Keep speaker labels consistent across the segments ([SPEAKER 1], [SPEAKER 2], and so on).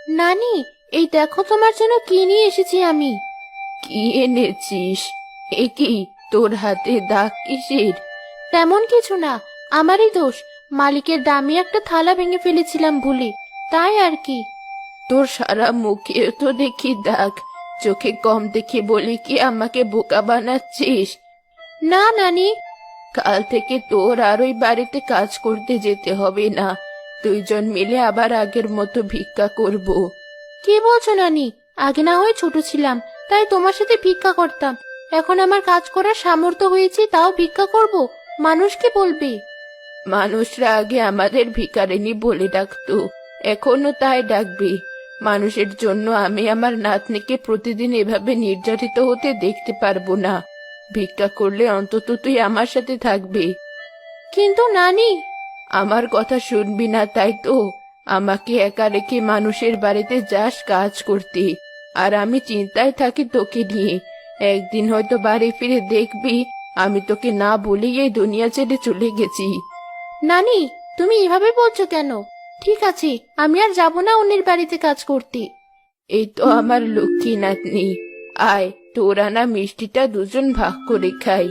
[SPEAKER 1] নানি, এই দেখো তোমার জন্য কি নিয়ে এসেছি আমি। কি এনেছিস? এ কি, তোর হাতে দাগ কিসের? তেমন কিছু না, আমারই দোষ। মালিকের দামি একটা থালা ভেঙে ফেলেছিলাম ভুলে, তাই আর কি। তোর সারা মুখে তো দেখি দাগ, চোখে কম দেখে বলে কি আমাকে বোকা বানাচ্ছিস? না নানি, কাল থেকে তোর আর ওই বাড়িতে কাজ করতে যেতে হবে না। দুইজন মিলে আবার আগের মতো ভিক্ষা করব। কি বলছো নানি? আগে না হয় ছোট ছিলাম, তাই তোমার সাথে ভিক্ষা করতাম। এখন আমার কাজ করার সামর্থ্য হয়েছে, তাও ভিক্ষা করব? মানুষ কি বলবে? মানুষরা আগে আমাদের ভিখারিনী বলে ডাকতো, এখনো তাই ডাকবে। মানুষের জন্য আমি আমার নাতনিকে প্রতিদিন এভাবে নির্যাতিত হতে দেখতে পারবো না। ভিক্ষা করলে অন্তত তুই আমার সাথে থাকবি। কিন্তু নানি, আমার কথা শুনবি না তাই তো? আমাকে একা রেখে মানুষের বাড়িতে যাস কাজ করতে, আর আমি চিন্তায় থাকি তোকে নিয়ে। একদিন হয়তো বাড়ি ফিরে দেখবি আমি তোকে না বলেই এই দুনিয়া ছেড়ে চলে গেছি। নানি, তুমি এভাবে বলছো কেন? ঠিক আছে, আমি আর যাব না অন্যের বাড়িতে কাজ করতে। এই তো আমার লক্ষ্মী নাতনি, আয় তোর আনা মিষ্টিটা দুজন ভাগ করে খাই।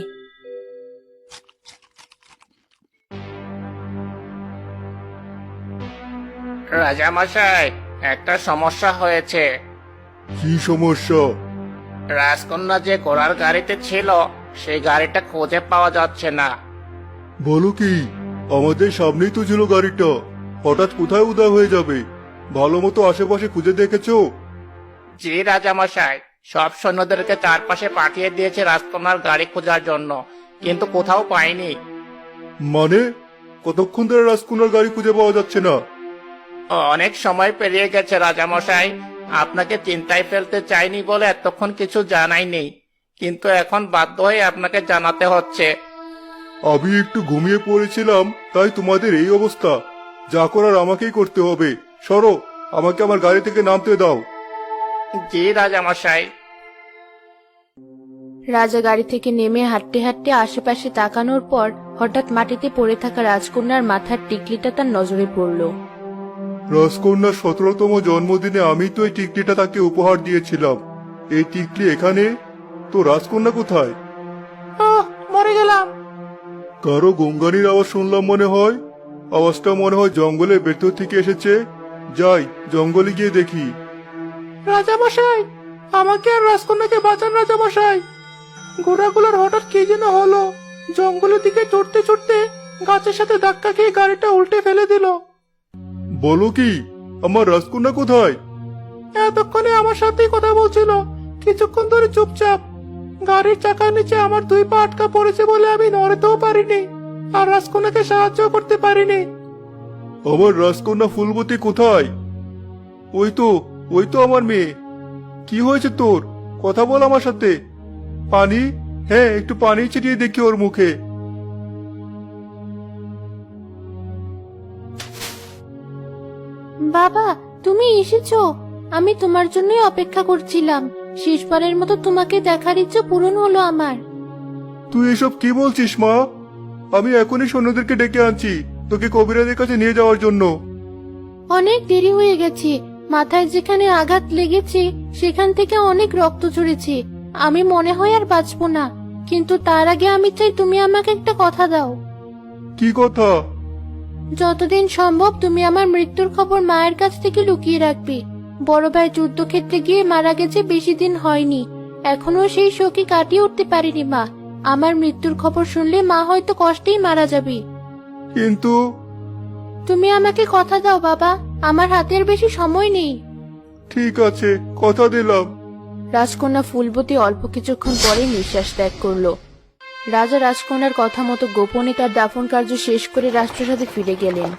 [SPEAKER 2] রাজামশাই, একটা সমস্যা হয়েছে।
[SPEAKER 3] কি সমস্যা?
[SPEAKER 2] রাজকন্যা যে ঘোড়ার গাড়িতে ছিল, সেই গাড়িটা খুঁজে পাওয়া যাচ্ছে না।
[SPEAKER 3] বলো কি? আমাদের সামনেই তো ছিল গাড়িটা, হঠাৎ কোথায় উধাও হয়ে যাবে? ভালো মতো আশেপাশে খুঁজে দেখেছো?
[SPEAKER 2] জি রাজামশাই, সব সৈন্যদেরকে চারপাশে পাঠিয়ে দিয়েছে রাজকন্যার গাড়ি খোঁজার জন্য, কিন্তু কোথাও পাইনি।
[SPEAKER 3] মানে কতক্ষণ ধরে রাজকুমার গাড়ি খুঁজে পাওয়া যাচ্ছে না?
[SPEAKER 2] অনেক সময় পেরিয়ে গেছে রাজামশাই। আপনাকে চিন্তায় ফেলতে চাইনি বলে এতক্ষণ কিছু জানাইনি, কিন্তু এখন বাধ্য হয়ে আপনাকে জানাতে হচ্ছে।
[SPEAKER 3] আমি একটু ঘুমিয়ে পড়েছিলাম, তাই তোমাদের এই অবস্থা। যা করার আমাকেই করতে হবে। সরো, আমাকে আমার গাড়ি থেকে নামতে দাও।
[SPEAKER 2] জি রাজামশাই।
[SPEAKER 1] রাজা গাড়ি থেকে নেমে হাঁটতে হাঁটতে আশেপাশে তাকানোর পর হঠাৎ মাটিতে পড়ে থাকা রাজকন্যার মাথার টিকলিটা তার নজরে পড়ল।
[SPEAKER 3] রাজকন্যার 17তম জন্মদিনে আমি তো এই টিকলিটা তাকে উপহার দিয়েছিলাম। এই টিকলি এখানে, তো রাজকন্যা কোথায়?
[SPEAKER 2] মরে গেলাম।
[SPEAKER 3] কারো গঙ্গানির আওয়াজ শুনলাম মনে হয়। আওয়াজটা মনে হয় জঙ্গলের ভেতর থেকে এসেছে। যাই, জঙ্গলে গিয়ে দেখি।
[SPEAKER 2] রাজামশাই, আমাকে আর রাজকন্যাকে বাঁচান রাজামশাই। ঘোড়াগুলোর হঠাৎ কি যেন হলো, জঙ্গলের দিকে ছুটতে ছুটতে গাছের সাথে ধাক্কা খেয়ে গাড়িটা উল্টে ফেলে দিল।
[SPEAKER 3] বলো কি? আমার রাজকন্যা কোথায়?
[SPEAKER 2] এতক্ষণে আমার সাথেই কথা বলছিল, কিছুক্ষণ ধরে চুপচাপ। গাড়ির চাকার নিচে আমার দুই পা আটকা পড়েছে বলে আমি নড়তেও পারিনি, আর রাজকন্যাকে সাহায্য করতে পারিনি।
[SPEAKER 3] আমার রাজকন্যা ফুলবতী কোথায়? ওই তো, ওই তো আমার মেয়ে। কি হয়েছে তোর? কথা বল আমার সাথে। পানি? হ্যাঁ, একটু পানি ছিটিয়ে দেখি ওর মুখে।
[SPEAKER 1] বাবা, তুমি এসেছো? আমি তোমার জন্যই অপেক্ষা করছিলাম। শেষবারের মতো তোমাকে দেখার ইচ্ছে পূরণ হলো আমার।
[SPEAKER 3] তুই এসব কি বলছিস মা? আমি এখনই সৈন্যদেরকে ডেকে আনছি তোকে কবিরাজের কাছে নিয়ে যাওয়ার জন্য।
[SPEAKER 1] অনেক দেরি হয়ে গেছে। মাথায় যেখানে আঘাত লেগেছে সেখান থেকে অনেক রক্ত ঝরেছে। আমি মনে হয় আর বাঁচবো না, কিন্তু তার আগে আমি চাই তুমি আমাকে একটা কথা দাও।
[SPEAKER 3] কি কথা?
[SPEAKER 1] যতদিন সম্ভব তুমি আমার মৃত্যুর খবর মায়ের কাছ থেকে লুকিয়ে রাখবে। বড় ভাই যুদ্ধক্ষেত্রে গিয়ে মারা গেছে, বেশি দিন হয়নি। এখনো সেই শোকে কাটিয়ে উঠতে পারিনি মা। আমার মৃত্যুর খবর শুনলে মা হয়তো কষ্টেই মারা যাবে।
[SPEAKER 3] কিন্তু
[SPEAKER 1] তুমি আমাকে কথা দাও বাবা, আমার হাতের বেশি সময় নেই।
[SPEAKER 3] ঠিক আছে, কথা দিলাম।
[SPEAKER 1] রাজকন্যা ফুলবতী অল্প কিছুক্ষণ পরে নিঃশ্বাস ত্যাগ করলো। রাজা রাজকন্যার কথা মতো গোপনে তার দাফন কার্য শেষ করে রাজপ্রাসাদে ফিরে গেলেন।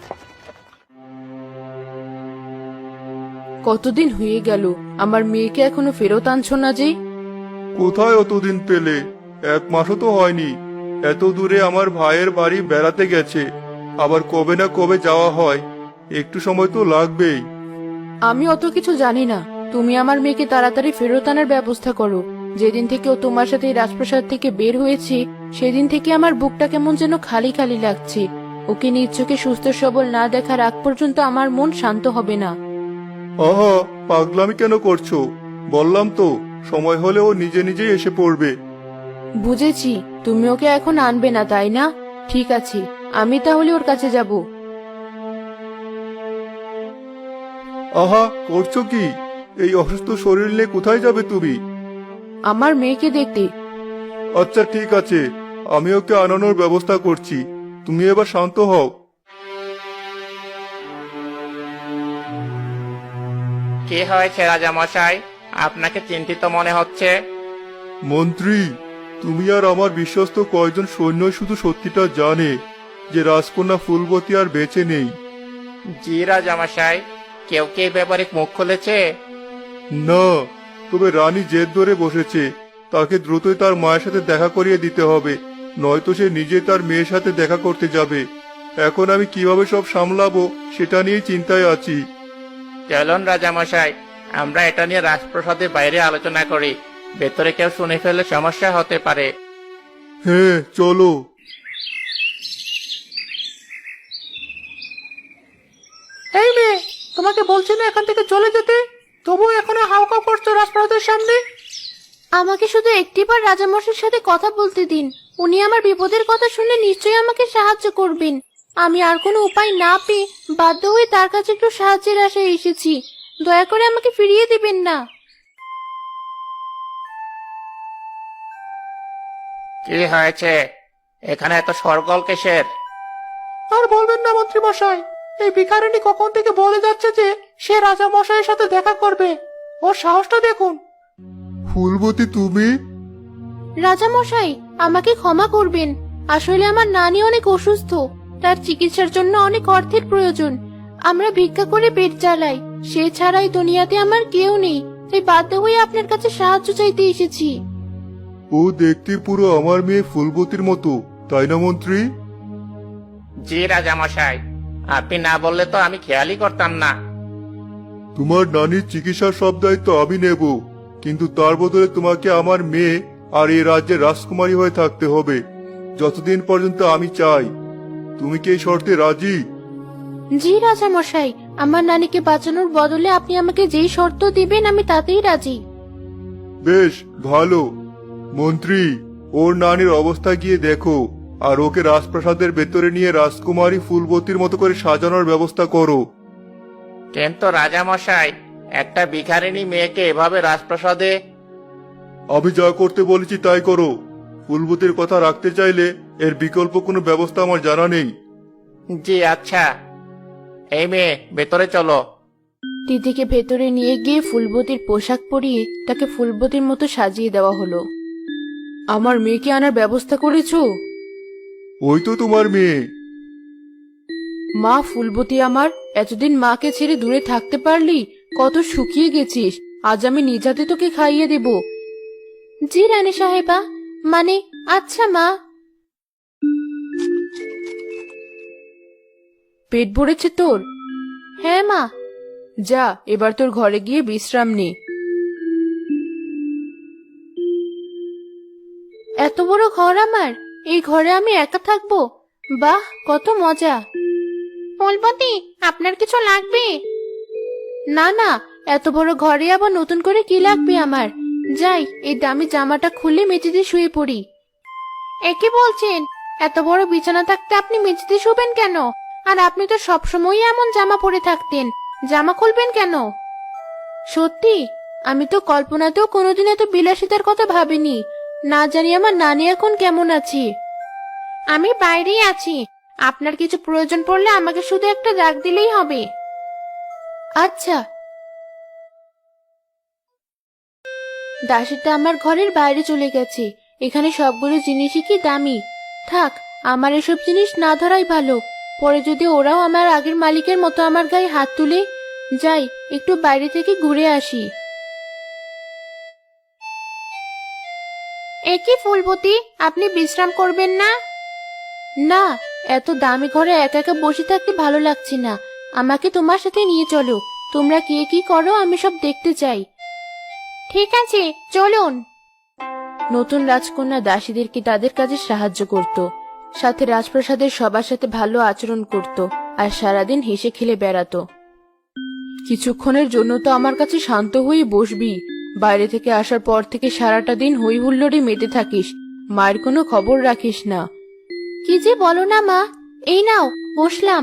[SPEAKER 1] কতদিন হয়ে গেল, আমার মেয়েকে এখনো ফেরত আনছো না যে?
[SPEAKER 3] কোথায় অতদিন পেলে? 1 মাসও তো হয়নি। এত দূরে আমার ভাইয়ের বাড়ি বেড়াতে গেছে, আবার কবে না কবে যাওয়া হয়। একটু সময় তো লাগবেই।
[SPEAKER 1] আমি অত কিছু জানি না। তুমি আমার মেয়েকে তাড়াতাড়ি ফেরত আনার ব্যবস্থা করো। যেদিন থেকে ও তোমার সাথে এই রাজপ্রাসাদ থেকে বের হয়েছে, সেদিন থেকে আমার বুকটা কেমন যেন খালি খালি লাগছে। ওকে নিজ চোখে সুস্থ সবল না দেখার আগ পর্যন্ত আমার মন শান্ত হবে না।
[SPEAKER 3] আহা, পাগলামি কেন করছো? বললাম তো, সময় হলে ও নিজে নিজেই এসে পড়বে।
[SPEAKER 1] বুঝেছি, তুমি ওকে এখন আনবে না, তাই না? ঠিক আছে, আমি তাহলে ওর কাছে যাব।
[SPEAKER 3] আহা, করছো কি? এই অসুস্থ শরীর নিয়ে কোথায় যাবে তুমি?
[SPEAKER 1] আমার মেয়েকে দেখতে।
[SPEAKER 3] আচ্ছা ঠিক আছে, আমি ওকে আনানোর ব্যবস্থা করছি। তুমি এবার শান্ত হও।
[SPEAKER 4] কি হয়েছে রাজামশাই? আপনাকে চিন্তিত মনে হচ্ছে।
[SPEAKER 3] মন্ত্রী, তুমি আর আমার বিশ্বস্ত কয়েকজন সৈন্য শুধু সত্যিটা জানে যে রাজকন্যা ফুলবতী আর বেঁচে নেই।
[SPEAKER 4] জি রাজামশাই, কেউ কি এই ব্যাপারে মুখ খুলেছে?
[SPEAKER 3] না, তবে রানী জেদ ধরে বসেছে। তাকে দ্রুতই তার মায়ের সাথে দেখা করিয়ে দিতে হবে, নয়তো সে নিজে তার মেয়ের সাথে দেখা করতে যাবে। এখন আমি কিভাবে সব সামলাবো সেটা নিয়ে চিন্তায় আছি।
[SPEAKER 4] চলুন রাজামশাই, আমরা এটা নিয়ে রাজপ্রাসাদের বাইরে আলোচনা করি। ভেতরে কেউ শুনে ফেললে সমস্যা হতে পারে।
[SPEAKER 3] হ্যাঁ, চলো।
[SPEAKER 2] এই মেয়ে, তোমাকে বলছি না এখান থেকে চলে যেতে, তবুও এখনো হাউকাউ করছো রাজপ্রাসাদের সামনে।
[SPEAKER 1] আমাকে শুধু একটিবার রাজামশাইয়ের সাথে কথা বলতে দিন। উনি আমার বিপদের কথা শুনে নিশ্চয়ই আমাকে সাহায্য করবেন। আমি আর কোনো উপায় না পেয়ে বাধ্য হয়ে তার কাছে একটু সাহায্যের আশায় এসেছি। দয়া করে আমাকে ফিরিয়ে দিবেন না।
[SPEAKER 4] কি হয়েছে? এখানে এত সরগোল কিসের?
[SPEAKER 2] আর বলবেন না মন্ত্রী মশাই, এই ভিখারিনী কখন থেকে বলে যাচ্ছে যে সে রাজা মশাইয়ের সাথে দেখা করবে। ওর সাহসটা দেখুন।
[SPEAKER 3] ফুলবতী, তুমি?
[SPEAKER 1] রাজামশাই, আমাকে ক্ষমা করবেন। আসলে আমার নানি অনেক অসুস্থ, তার চিকিৎসার জন্য অনেক অর্থের প্রয়োজন। আমরা ভিক্ষা করে পেট চালাই, সে ছাড়াই দুনিয়াতে আমার কেউ নেই। তাই বাধ্য হয়ে আপনার কাছে সাহায্য চাইতে এসেছি।
[SPEAKER 3] ও দেখতে পুরো আমার মেয়ে ফুলবতীর মতো, তাই না মন্ত্রী?
[SPEAKER 4] জি রাজামশাই, আপনি না বললে তো আমি খেয়ালই করতাম না।
[SPEAKER 3] তোমার নানির চিকিৎসার সব দায়িত্ব আমি নেব, কিন্তু তার বদলে তোমাকে আমার মেয়ে আর এই রাজ্যের রাজকুমারী হয়ে থাকতে হবে, যতদিন পর্যন্ত আমি চাই। তুমি কি এই শর্তে রাজি?
[SPEAKER 1] জি রাজামশাই, আমার নানিকে বাঁচানোর বদলে আপনি আমাকে যেই শর্ত দিবেন আমি তাতেই রাজি।
[SPEAKER 3] বেশ ভালো। মন্ত্রী, ওর নানির অবস্থা গিয়ে দেখো, আর ওকে রাজপ্রাসাদের ভেতরে নিয়ে রাজকুমারী ফুলবতীর মতো করে সাজানোর ব্যবস্থা করো।
[SPEAKER 4] কিন্তু রাজামশাই, একটা ভিখারিনী মেয়েকে এভাবে রাজপ্রাসাদে?
[SPEAKER 3] আমি যা করতে বলেছি তাই করো। ফুলবতীর কথা রাখতে চাইলে এর বিকল্প কোনো ব্যবস্থা আমার জানা নেই।
[SPEAKER 4] জি আচ্ছা। এই মেয়ে, ভেতরে চলো।
[SPEAKER 1] দিদিকে ভেতরে নিয়ে গিয়ে ফুলবতীর পোশাক পরিয়ে তাকে ফুলবতীর মতো সাজিয়ে দেওয়া হলো। আমার মেয়েকে আনার ব্যবস্থা করেছো?
[SPEAKER 3] ওই তো তোমার মেয়ে।
[SPEAKER 1] মা ফুলবতী আমার, এতদিন মাকে ছেড়ে দূরে থাকতে পারলি? কত শুকিয়ে গেছিস। আজ আমি নিজ হাতে তোকে খাইয়ে দেব। জি রানী সাহেবা, মানে আচ্ছা মা। পেট ভরেছে তোর? হ্যাঁ মা। যা, এবার তোর ঘরে গিয়ে বিশ্রাম নে। এত বড় ঘর আমার, এই ঘরে আমি একা থাকবো? বাহ, কত মজা। ফুলবতী, আপনার কিছু লাগবে? না না, এত বড় ঘরে আবার নতুন করে কি লাগবে আমার? যাই, এই দামি জামাটা খুলে মেঝেতে শুয়ে পড়ি। একে বলছেন? এত বড় বিছানা থাকতে আপনি মেঝেতে শুবেন কেন? আর আপনি তো সবসময় এমন জামা পরে থাকতেন, জামা খুলবেন কেন? সত্যি, আমি তো কল্পনাতেও কোনোদিন এত বিলাসিতার কথা ভাবিনি। না জানি আমার নানি এখন কেমন আছে। আমি বাইরেই আছি, আপনার কিছু প্রয়োজন পড়লে আমাকে শুধু একটা ডাক দিলেই হবে। আচ্ছা। দাসীটা আমার ঘরের বাইরে চলে গেছে। এখানে সবগুলো জিনিসই কি দামি। থাক, আমার এসব জিনিস না ধরাই ভালো। পরে যদি ওরাও আমার আগের মালিকের মতো আমার গায়ে হাত তুলে। যাই, একটু বাইরে থেকে ঘুরে আসি। একি ফুলবতী, আপনি বিশ্রাম করবেন না? না, এত দামি ঘরে একা একা বসে থাকতে ভালো লাগছে না। আমাকে তোমার সাথে নিয়ে চলো। তোমরা কে কি করো আমি সব দেখতে চাই। ঠিক আছে, চলুন। নতুন রাজকন্যা দাসীদেরকে তাদের কাজে সাহায্য করত, সাথে রাজপ্রাসাদের সবার সাথে ভালো আচরণ করত, আর সারাদিন হেসে খেলে বেড়াতো। কিছুক্ষণের জন্য তো আমার কাছে শান্ত হয়ে বসবি। বাইরে থেকে আসার পর থেকে সারাটা দিন হই হুল্লোড়ে মেতে থাকিস, মায়ের কোনো খবর রাখিস না। কি যে বলো না মা, এই নাও বসলাম।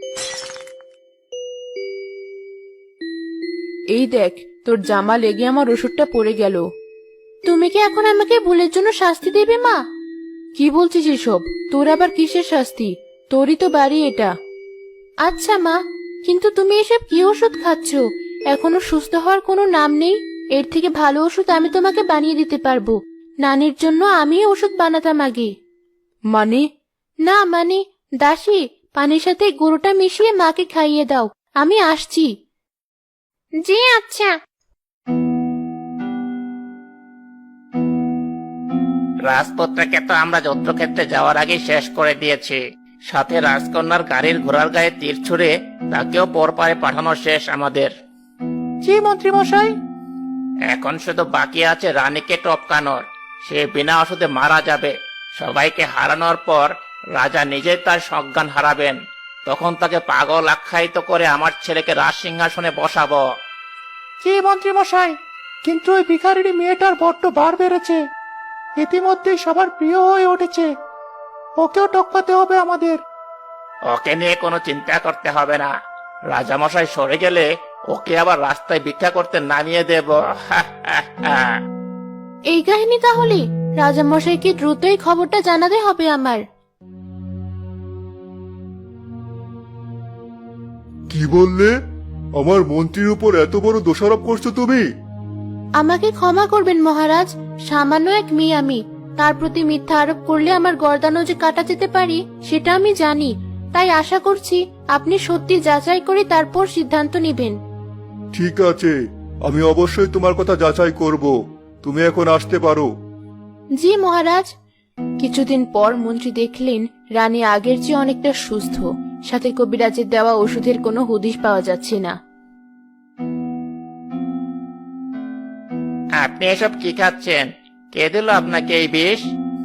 [SPEAKER 1] এই দেখ, তোর জামা লেগে আমার ওষুধটা পড়ে গেল। তুমি কি এখন আমাকে ভুলের জন্য শাস্তি দেবে মা? কি বলছিস এসব? তোর আবার কিসের শাস্তি? তোরই তো বাড়ি এটা। আচ্ছা মা, কিন্তু তুমি এসব কি ওষুধ খাচ্ছ? এখনো সুস্থ হওয়ার কোনো নাম নেই। এর থেকে ভালো ওষুধ আমি তোমাকে বানিয়ে দিতে পারবো। নানির জন্য আমি ওষুধ বানাতাম আগে। মানে? না মানে, দাসী, পানির সাথে গুঁড়োটা মিশিয়ে মাকে খাইয়ে দাও, আমি আসছি। জি আচ্ছা।
[SPEAKER 4] রাজপুত্রকে তো আমরা যুদ্ধক্ষেত্রে যাওয়ার আগে শেষ করে দিয়েছি, সাথে রাজকন্যার গাড়ির ঘোড়ার গায়ে তীর ছুঁড়ে তাকেও পরপারে পাঠানো শেষ আমাদের।
[SPEAKER 2] জি মন্ত্রী মশাই।
[SPEAKER 4] এখন শুধু বাকি আছে রানীকে টপকানোর। সে বিনা ওষুধে মারা যাবে। সবাইকে হারানোর পর রাজা নিজেই তার সজ্ঞান হারাবেন। তখন তাকে পাগল আখ্যায়িত করে আমার ছেলেকে রাজ সিংহাসনে বসাবো।
[SPEAKER 2] জি মন্ত্রী মশাই, কিন্তু ওই ভিখারিনী মেয়েটার বড্ড বার বেড়েছে। ইতিমধ্যেই সবার প্রিয় হয়ে উঠেছে। ওকেও টপকাতে হবে আমাদের।
[SPEAKER 4] ওকে নিয়ে কোনো চিন্তা করতে হবে না। রাজামশাই সরে গেলে ওকে আবার রাস্তায় ভিক্ষা করতে নামিয়ে দেব।
[SPEAKER 1] এই কাহিনী তাহলে? রাজামশাইকে দ্রুতই খবরটা জানাতে হবে আমার।
[SPEAKER 3] কি বললে? আমার মন্ত্রীর উপর এত বড় দোষারোপ করছো তুমি?
[SPEAKER 1] আমাকে ক্ষমা করবেন মহারাজ, সামান্য এক মেয়ে আমি। তার প্রতি মিথ্যা আরোপ করলে আমার গর্দানও যে কাটা যেতে পারি সেটা আমি জানি। তাই আশা করছি আপনি সত্যি যাচাই করে তারপর সিদ্ধান্ত নেবেন।
[SPEAKER 3] ঠিক আছে, আমি অবশ্যই তোমার কথা যাচাই করব। তুমি এখন আসতে পারো।
[SPEAKER 1] জি মহারাজ। কিছুদিন পর মন্ত্রী দেখলেন রানী আগের চেয়ে অনেকটা সুস্থ, সাথে কবিরাজের দেওয়া ওষুধের কোনো হদিশ পাওয়া যাচ্ছে না।
[SPEAKER 4] আপনি এসব কি খাচ্ছেন? কে দিল আপনাকে এই বিষ?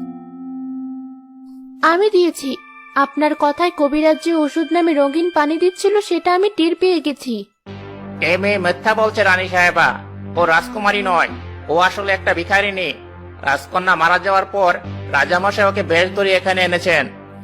[SPEAKER 1] আমি দিয়েছি। আপনার কথায় কবিরাজ যে ওষুধ নামে রঙিন পানি দিচ্ছিল সেটা আমি টের পেয়ে গেছি।
[SPEAKER 4] এ মেয়ে মিথ্যা বলছে রানী সাহেবা। ও রাজকুমারী নয়, ও আসলে একটা ভিখারিনী। রাজকন্যা মারা যাওয়ার পর রাজামশাই ওকে বেশ ধরে এখানে এনেছেন।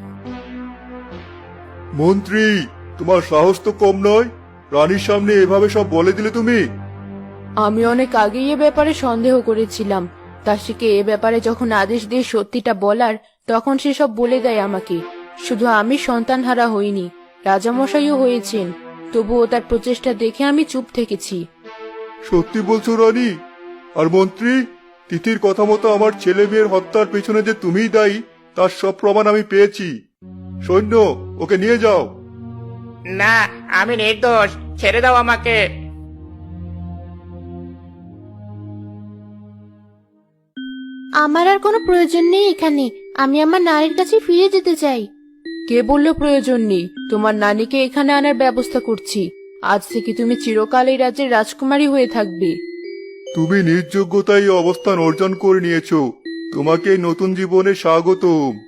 [SPEAKER 3] মন্ত্রী, তোমার সাহস তো কম নয়। রানীর সামনে এভাবে সব বলে দিলে তুমি?
[SPEAKER 1] আমি অনেক আগেই এ ব্যাপারে সন্দেহ করেছিলাম। দাসীকে এ ব্যাপারে যখন আদেশ দিয়ে সত্যিটা বলার, তখন সে সব বলে দেয় আমাকে। শুধু আমি সন্তানহারা হইনি, রাজামশাইও হয়েছেন। তবুও তার প্রচেষ্টা দেখে আমি চুপ থেকেছি।
[SPEAKER 3] সত্যি বলছো রানী? আর মন্ত্রী, তিথির কথা মতো আমার ছেলে মেয়ের হত্যার পেছনে যে তুমিই দায়ী, তার সব প্রমাণ আমি পেয়েছি। সৈন্য, ওকে নিয়ে যাও।
[SPEAKER 4] না, আমি নির্দোষ, ছেড়ে দাও আমাকে।
[SPEAKER 1] আমার আর কোনো প্রয়োজন নেই এখানে। আমি আমার নারীর কাছে ফিরে যেতে চাই। কে বলল প্রয়োজন নেই? তোমার নানীকে এখানে আনার ব্যবস্থা করছি। আজ থেকে তুমি চিরকাল এই রাজ্যের রাজকুমারী হয়ে থাকবে।
[SPEAKER 3] তুমি নিজ যোগ্যতায় এই অবস্থান অর্জন করে নিয়েছো। তোমাকে এই নতুন জীবনে স্বাগতম।